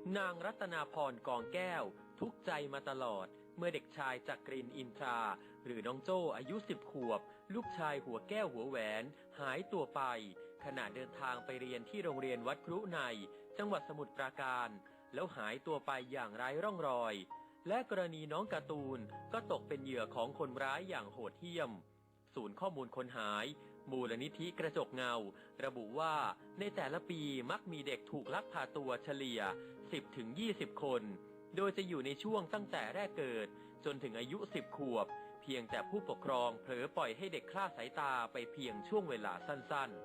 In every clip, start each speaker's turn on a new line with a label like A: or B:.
A: นางรัตนาพรกองแก้วทุกข์ใจมาตลอดเมื่อเด็กชายจักรินทร์อินทราหรือน้องโจ้อายุ10 ขวบลูกชายหัวแก้วหัวแหวนหายตัวไปขณะเดินทางไปเรียนที่โรงเรียนวัดครุในจังหวัดสมุทรปราการแล้วหายตัวไปอย่างไร้ร่องรอยและกรณีน้องการ์ตูนก็ตกเป็นเหยื่อของคนร้ายอย่างโหดเหี้ยมศูนย์ข้อมูลคนหายมูลนิธิกระจกเงาระบุว่าในแต่ละปีมักมีเด็กถูกลักพาตัวเฉลี่ย 10-20 คนโดยจะอยู่ในช่วงตั้งแต่แรกเกิดจนถึงอายุ10 ขวบเพียงแต่ผู้ปกครองเผลอปล่อยให้เด็กคลาดสายตาไปเพียงช่วงเวลาสั้นๆ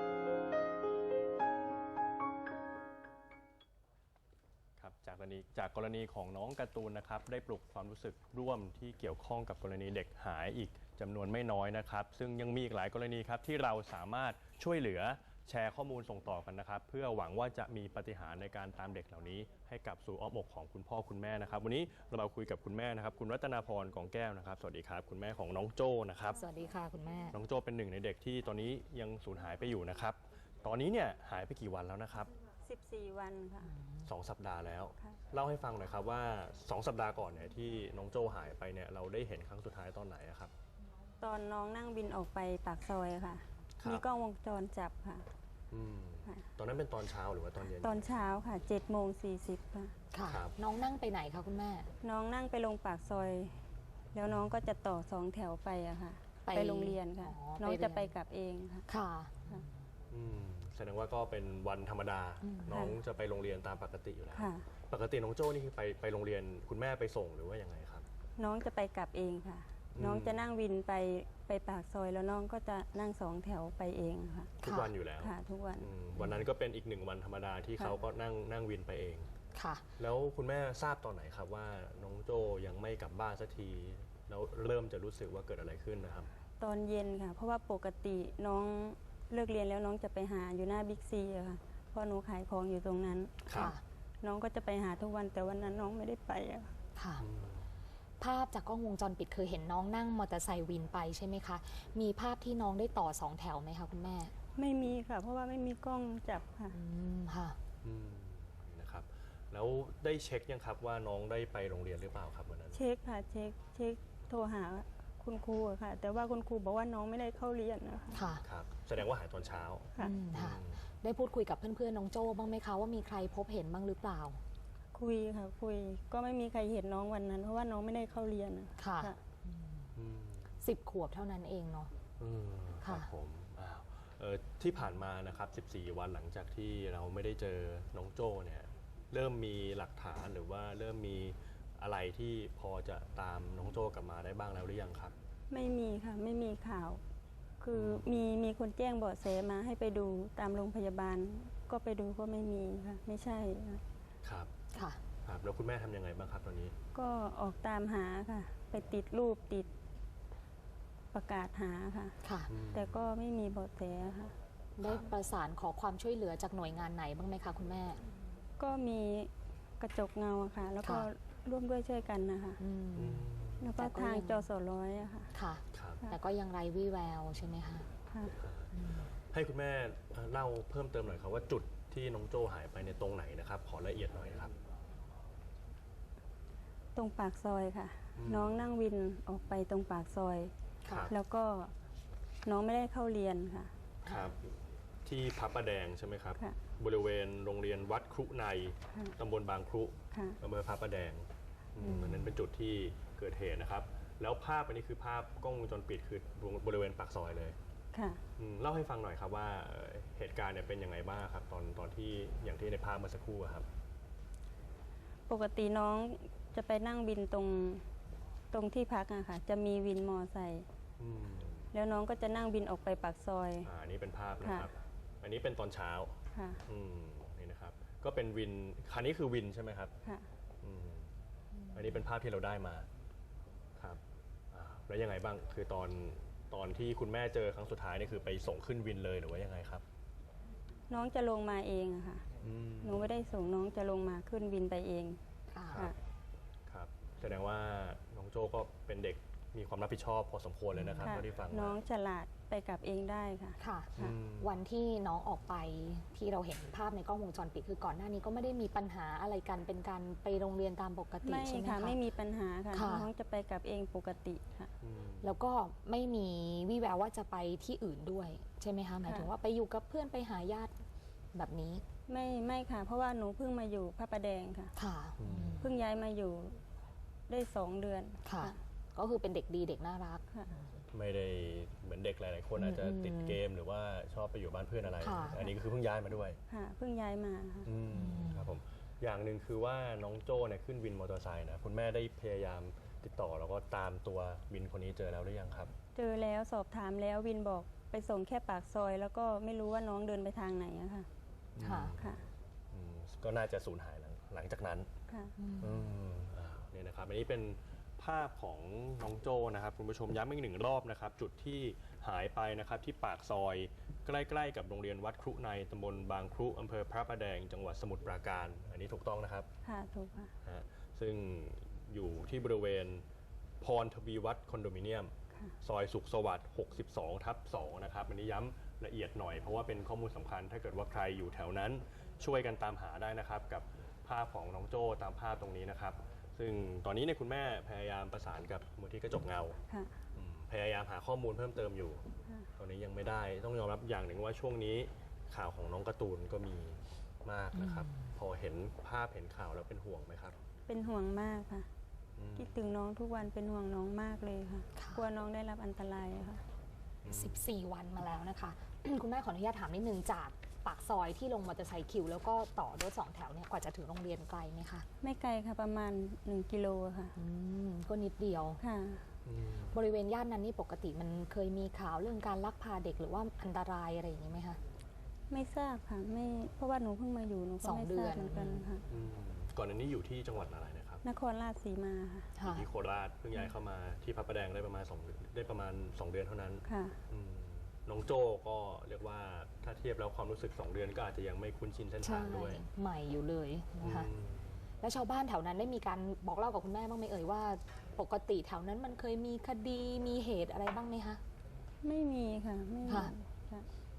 B: จากกรณีของน้องการ์ตูนนะครับได้ปลุกความรู้สึกร่วมที่เกี่ยวข้องกับกรณีเด็กหายอีกจำนวนไม่น้อยนะครับซึ่งยังมีอีกหลายกรณีครับที่เราสามารถช่วยเหลือแชร์ข้อมูลส่งต่อกันนะครับเพื่อหวังว่าจะมีปาฏิหาริย์ในการตามเด็กเหล่านี้ให้กลับสู่อ้อมอกของคุณพ่อคุณแม่นะครับวันนี้เรามาคุยกับคุณแม่นะครับคุณรัตนาพรกองแก้วนะครับสวัสดีครับคุณแม่ของน้องโจ้นะครับ
C: สวัสดีค่ะคุณแม่
B: น้องโจ้เป็นหนึ่งในเด็กที่ตอนนี้ยังสูญหายไปอยู่นะครับตอนนี้เนี่ยหายไปกี่วันแล้วนะครับ
D: 14 วันค่ะ
B: 2 สัปดาห์แล้วเล่าให้ฟังหน่อยครับว่า2 สัปดาห์ก่อนเนี่ยที่น้องโจ้หายไปเนี่ยเราได้เห็นครั้งสุดท้ายตอนไหนครับ
D: ตอนน้องนั่งบินออกไปปากซอยค่ะมีกล้องวงจรจับค่ะ
B: ตอนนั้นเป็นตอนเช้าหรือว่าตอนเย็น
D: ตอนเช้าค่ะ7:40
C: ค่ะน้องนั่งไปไหนคะคุณแม่
D: น้องนั่งไปลงปากซอยแล้วน้องก็จะต่อ2 แถวไปอะค่ะไปโรงเรียนค่ะน้องจะไปกลับเองค่ะ
C: ค่ะ
B: แสดงว่าก็เป็นวันธรรมดาน้องจะไปโรงเรียนตามปกติอยู่แล้วปกติน้องโจ้นี่คือไปโรงเรียนคุณแม่ไปส่งหรือว่ายังไงครับ
D: น้องจะไปกลับเองค่ะน้องจะนั่งวินไปปากซอยแล้วน้องก็จะนั่ง2 แถวไปเองค่ะ
B: ทุกวันอยู่แล้ว
D: ค่ะทุกวัน
B: วันนั้นก็เป็นอีก1 วันธรรมดาที่เขาก็นั่งวินไปเอง
C: ค่ะ
B: แล้วคุณแม่ทราบตอนไหนครับว่าน้องโจ้ยังไม่กลับบ้านสักทีแล้วเริ่มจะรู้สึกว่าเกิดอะไรขึ้นนะครับ
D: ตอนเย็นค่ะเพราะว่าปกติน้องเลิกเรียนแล้วน้องจะไปหาอยู่หน้าบิ๊กซีค่ะเพราะหนูขายของอยู่ตรงนั้น
C: ค่ะ
D: น้องก็จะไปหาทุกวันแต่วันนั้นน้องไม่ได้ไป
C: ค่ะภาพจากกล้องวงจรปิดเคยเห็นน้องนั่งมอเตอร์ไซค์วินไปใช่ไหมคะมีภาพที่น้องได้ต่อ2 แถวไหมคะคุณแม่
D: ไม่มีค่ะเพราะว่าไม่มีกล้องจับค่ะ
C: ค่ะ
B: นะครับแล้วได้เช็คยังครับว่าน้องได้ไปโรงเรียนหรือเปล่าครับวันนั้น
D: เช็คค่ะเช็คโทรหาคุณครูค่ะแต่ว่าคุณครูบอกว่าน้องไม่ได้เข้าเรียนนะคะ
B: ครับแสดงว่าหายตอนเช้า
D: ค่ะ
C: ได้พูดคุยกับเพื่อนๆน้องโจ้บ้างไหมคะว่ามีใครพบเห็นบ้างหรือเปล่า
D: คุยค่ะคุยก็ไม่มีใครเห็นน้องวันนั้นเพราะว่าน้องไม่ได้เข้าเรียน
C: ค่ะ10 ขวบเท่านั้นเองเนาะ
B: ครับผมที่ผ่านมานะครับ14 วันหลังจากที่เราไม่ได้เจอน้องโจ้เนี่ยเริ่มมีหลักฐานหรือว่าเริ่มมีอะไรที่พอจะตามน้องโจ้กลับมาได้บ้างแล้วหรือยังครับ
D: ไม่มีค่ะไม่มีข่าวคือมีคนแจ้งเบาะแสมาให้ไปดูตามโรงพยาบาลก็ไปดูก็ไม่มีค่ะไม่ใช่
B: ครับ
C: ค่ะ
B: ครับแล้วคุณแม่ทำยังไงบ้างครับตอนนี้
D: ก็ออกตามหาค่ะไปติดรูปติดประกาศหาค่ะแต่ก็ไม่มีเบาะแสค่ะ
C: ได้ประสานขอความช่วยเหลือจากหน่วยงานไหนบ้างไหมคะคุณแม่
D: ก็มีกระจกเงาค่ะแล้วก็ร่วมด้วยช่วยกันนะคะแล้วก็ทางจสร้อยค่ะ
C: ค่ะแต่ก็ยังไร้วี่แววใช่ไหมคะ
B: ให้คุณแม่เล่าเพิ่มเติมหน่อยครับว่าจุดที่น้องโจ้หายไปในตรงไหนนะครับขอละเอียดหน่อยครับ
D: ตรงปากซอยค่ะน้องนั่งวินออกไปตรงปากซอยแล้วก็น้องไม่ได้เข้าเรียนค่ะ
B: ครับที่พระประแดงใช่ไหมครับบริเวณโรงเรียนวัดครุในตำบลบางครุอำเภอพระประแดงนั้นเป็นจุดที่เกิดเหตุนะครับแล้วภาพอันนี้คือภาพกล้องวงจรปิดคือบริเวณปากซอยเลย
D: ค่ะ
B: เล่าให้ฟังหน่อยครับว่าเหตุการณ์เนี่ยเป็นยังไงบ้างครับตอนที่อย่างที่ในภาพเมื่อสักครู่ครับ
D: ปกติน้องจะไปนั่งบินตรงที่พักอะค่ะจะมีวินมอไซค์แล้วน้องก็จะนั่งบินออกไปปากซอย
B: อันนี้เป็นภาพนะครับอันนี้เป็นตอนเช้า
D: ค่ะ
B: นี่นะครับก็เป็นวินคันนี้คือวินใช่ไหมครับ
D: ค่ะ
B: อันนี้เป็นภาพที่เราได้มาครับแล้วยังไงบ้างคือตอนที่คุณแม่เจอครั้งสุดท้ายนี่คือไปส่งขึ้นวินเลยหรือว่ายังไงครับ
D: น้องจะลงมาเองอะค่ะหนูไม่ได้ส่งน้องจะลงมาขึ้นวินไปเอง
B: ครับแสดงว่าน้องโจ้ก็เป็นเด็กมีความรับผิดชอบพอสมควรเลยนะครับ
D: ค่ะ
B: เท่าที่ฟัง
D: น้อง
B: มา
D: ฉลาดไปกลับเองได้ค่ะ
C: ค่ะ
B: อืม
C: วันที่น้องออกไปที่เราเห็นภาพในกล้องวงจรปิดคือก่อนหน้านี้ก็ไม่ได้มีปัญหาอะไรกันเป็นการไปโรงเรียนตามปกติ
D: ไม่
C: ใช่ไหม
D: ค่ะ
C: คะ
D: ไม่มีปัญหาค่ะ
C: ค่ะ
D: น้องจะไปกลับเองปกติค่ะ
B: อืม
C: แล้วก็ไม่มีวี่แววว่าจะไปที่อื่นด้วยใช่ไหมคะหมายถึงว่าไปอยู่กับเพื่อนไปหาญาติแบบนี้
D: ไม่ค่ะ เพราะว่าหนูเพิ่งมาอยู่พระประแดงค่ะ
C: ค่ะ
B: อืม
D: เพิ่งย้ายมาอยู่ได้2 เดือน
C: ค่ะ ก็คือเป็นเด็กดีเด็กน่ารัก
D: ค่ะ
B: ไม่ได้เหมือนเด็กหลายๆคนอาจจะติดเกมหรือว่าชอบไปอยู่บ้านเพื่อนอะไร
C: ค่ะ
B: อันนี้ก็คือเพิ่งย้ายมาด้วย
D: ค่ะ เพิ่งย้ายมาค่ะ
B: ครับผมอย่างหนึ่งคือว่าน้องโจ้เนี่ยขึ้นวินมอเตอร์ไซค์นะคุณแม่ได้พยายามติดต่อแล้วก็ตามตัววินคนนี้เจอแล้วหรือยังครับ
D: เจอแล้วสอบถามแล้ววินบอกไปส่งแค่ปากซอย แล้วก็ไม่รู้ว่าน้องเดินไปทางไหนอะค่ะ
C: ค่ะ
D: ค่ะ
B: อืมก็น่าจะสูญหายหลังจากนั้น
D: ค่ะ
B: เนี่ยนะครับอันนี้เป็นภาพของน้องโจ้นะครับคุณผู้ชมย้ำอีกหนึ่งรอบนะครับจุดที่หายไปนะครับที่ปากซอยใกล้ๆกับโรงเรียนวัดครุในตำบลบางครุอำเภอพระประแดงจังหวัดสมุทรปราการอันนี้ถูกต้องนะครับ
D: ค่ะ ถูกค่ะ
B: ฮะซึ่งอยู่ที่บริเวณพรทวีวัฒน์คอนโดมิเนียม
D: ค่ะ
B: ซอยสุขสวัสดิ์ 62/2 นะครับอันนี้ย้ำละเอียดหน่อยเพราะว่าเป็นข้อมูลสำคัญถ้าเกิดว่าใครอยู่แถวนั้นช่วยกันตามหาได้นะครับกับภาพของน้องโจ้ตามภาพตรงนี้นะครับซึ่งตอนนี้เนี่ยคุณแม่พยายามประสานกับมูลที่กระจกเงา
D: ค่ะ
B: พยายามหาข้อมูลเพิ่มเติมอยู่
D: ค่ะ
B: ตอนนี้ยังไม่ได้ต้องยอมรับอย่างหนึ่งว่าช่วงนี้ข่าวของน้องการ์ตูนก็มีมากนะครับพอเห็นภาพเห็นข่าวแล้วเป็นห่วงไหมครับ
D: เป็นห่วงมากค่ะ
B: อืม
D: คิดถึงน้องทุกวันเป็นห่วงน้องมากเลยค่ะ
C: ค่ะ
D: กลัวน้องได้รับอันตรายอะค่ะ
C: 14 วันมาแล้วนะคะ คุณแม่ขออนุญาตถามนิดนึงจากปากซอยที่ลงมอเตอร์ไซค์คิวแล้วก็ต่อรถ2 แถวเนี่ยกว่าจะถึงโรงเรียนไกลไหมคะ
D: ไม่ไกลค่ะประมาณ1 กิโลค่ะ
C: ก็นิดเดียว
D: ค่ะ
C: บริเวณย่านนั้นนี่ปกติมันเคยมีข่าวเรื่องการลักพาเด็กหรือว่าอันตรายอะไรอย่างนี้ไหมคะ
D: ไม่ทราบค่ะไม่เพราะว่าหนูเพิ่งมาอยู่หนูก็
C: สอง
D: ไม่
C: เดื
D: ท
C: อ
D: ราน บเหมือนกันค่ะ
B: ก่อนอันนี้อยู่ที่จังหวัดอะไรนะครับ
D: นครราชสีมาค่ะ
B: อยู่
C: ค่ะ
B: ที่โคราชเพิ่งย้ายเข้ามาที่พระประแดงได้ประมาณ2 เดือนเท่านั้น
D: ค่ะ
B: น้องโจ้ก็เรียกว่าถ้าเทียบแล้วความรู้สึก2 เดือนก็อาจจะยังไม่คุ้นชินเส้น
C: ใช่
B: ทางด้วย
C: ใหม่อยู่เลยนะคะ แล้วชาวบ้านแถวนั้นได้มีการบอกเล่ากับคุณแม่บ้างไหมเอ่ยว่า ปกติแถวนั้นมันเคยมีคดีมีเหตุอะไรบ้างไหมคะ
D: ไม่มีค่ะไม่มี
C: ค่ะ
D: ค่ะ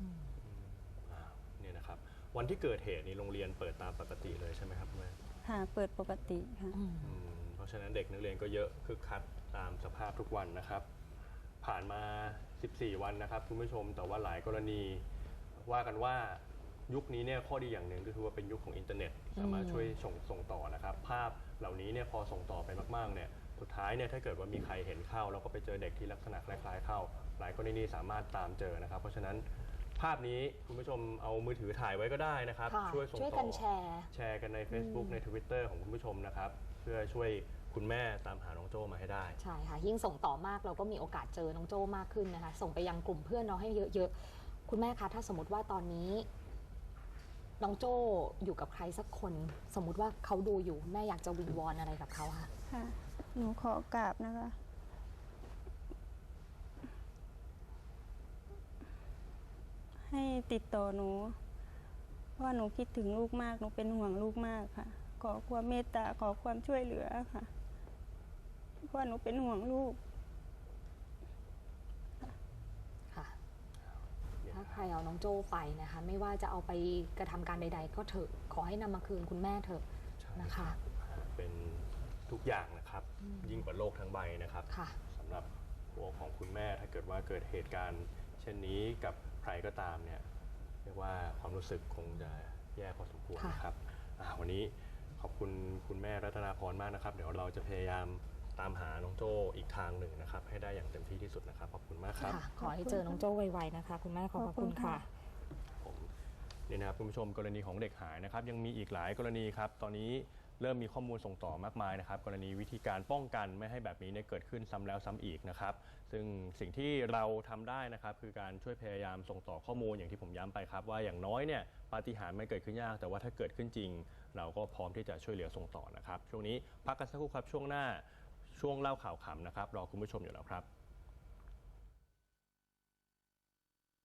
B: เนี่ยนะครับวันที่เกิดเหตุนี้โรงเรียนเปิดตามปกติเลยใช่ไหมครับคุณแม่
D: ค่ะเปิดปกติค่ะ
B: เพราะฉะนั้นเด็กนักเรียนก็เยอะคึกคักตามสภาพทุกวันนะครับ ผ่านมา 14 วันนะครับคุณผู้ชมแต่ว่าหลายกรณีว่ากันว่ายุคนี้เนี่ยข้อดีอย่างหนึ่งก็คือว่าเป็นยุคของอินเทอร์เน็ตสามารถช่วยส่งต่อนะครับ ภาพเหล่านี้เนี่ยพอส่งต่อไปมากๆเนี่ยสุดท้ายเนี่ยถ้าเกิดว่ามีใครเห็นเข้าแล้วก็ไปเจอเด็กที่ลักษณะคล้ายๆเข้า หลายกรณีสามารถตามเจอนะครับ เพราะฉะนั้นภาพนี้คุณผู้ชมเอามือถือถ่ายไว้ก็ได้นะครับ
C: ค่ะ
B: ช่วยส่ง
C: ช่วย
B: ต่
C: กั
B: อ
C: นแชร์
B: แชร์กันใน Facebook ใน Twitter ของคุณผู้ชมนะครับเพื่อช่วยคุณแม่ตามหาน้องโจ้มาให้ได้
C: ใช่ค่ะยิ่งส่งต่อมากเราก็มีโอกาสเจอน้องโจ้มากขึ้นนะคะ ส่งไปยังกลุ่มเพื่อนน้องให้เยอะๆคุณแม่คะถ้าสมมติว่าตอนนี้ น้องโจ้อยู่กับใครสักคน สมมุติว่าเขาดูอยู่แม่อยากจะวิงวอนอะไรกับเขาคะ
D: ค่ะ หนูขอกราบนะคะ ให้ติดต่อหนูเพราะว่าหนูคิดถึงลูกมากหนูเป็นห่วงลูกมากค่ะ ขอความเมตตาขอความช่วยเหลือค่ะเพราะว่าหนูเป็นห่วงลูก
C: ค่ะถ้าใครเอาน้องโจ้ไปนะคะ ไม่ว่าจะเอาไปกระทำการใด ๆ ก็เถอะขอให้นำมาคืนคุณแม่เถอะนะคะ
B: เป็นทุกอย่างนะครับ ยิ่งกว่าโลกทั้งใบนะครับ
C: ค่ะ
B: สำหรับหัวของคุณแม่ถ้าเกิดว่าเกิดเหตุการณ์ เช่นนี้กับใครก็ตามเนี่ยเรียกว่าความรู้สึกคงจะแย่พอสมควรนะครับวันนี้ขอบคุณคุณแม่รัตนาพรมากนะครับ เดี๋ยวเราจะพยายามตามหาน้องโจ้อีกทางหนึ่งนะครับ ให้ได้อย่างเต็มที่ที่สุดนะครับขอบคุณมากครับ
C: ค่ะ ขอให้เจอน้องโจ้ไวๆนะคะ คุณแม่ขอบพระคุณค่ะ
B: ผมนี่นะครับคุณผู้ชมกรณีของเด็กหายนะครับยังมีอีกหลายกรณีครับตอนนี้เริ่มมีข้อมูลส่งต่อมากมายนะครับกรณีวิธีการป้องกันไม่ให้แบบนี้เนี่ยเกิดขึ้นซ้ำแล้วซ้ำอีกนะครับซึ่งสิ่งที่เราทำได้นะครับคือการช่วยพยายามส่งต่อข้อมูลอย่างที่ผมย้ำไปครับว่าอย่างน้อยเนี่ยปาฏิหาริย์ไม่เกิดขึ้นยากแต่ว่าถ้าเกิดขึ้นจริง เราก็พร้อมที่จะช่วยเหลือส่งต่อนะครับช่วงนี้พักกันสักครู่ครับช่วงหน้าช่วงเล่าข่าวขำนะครับรอคุณผู้ชมอยู่แล้วครับ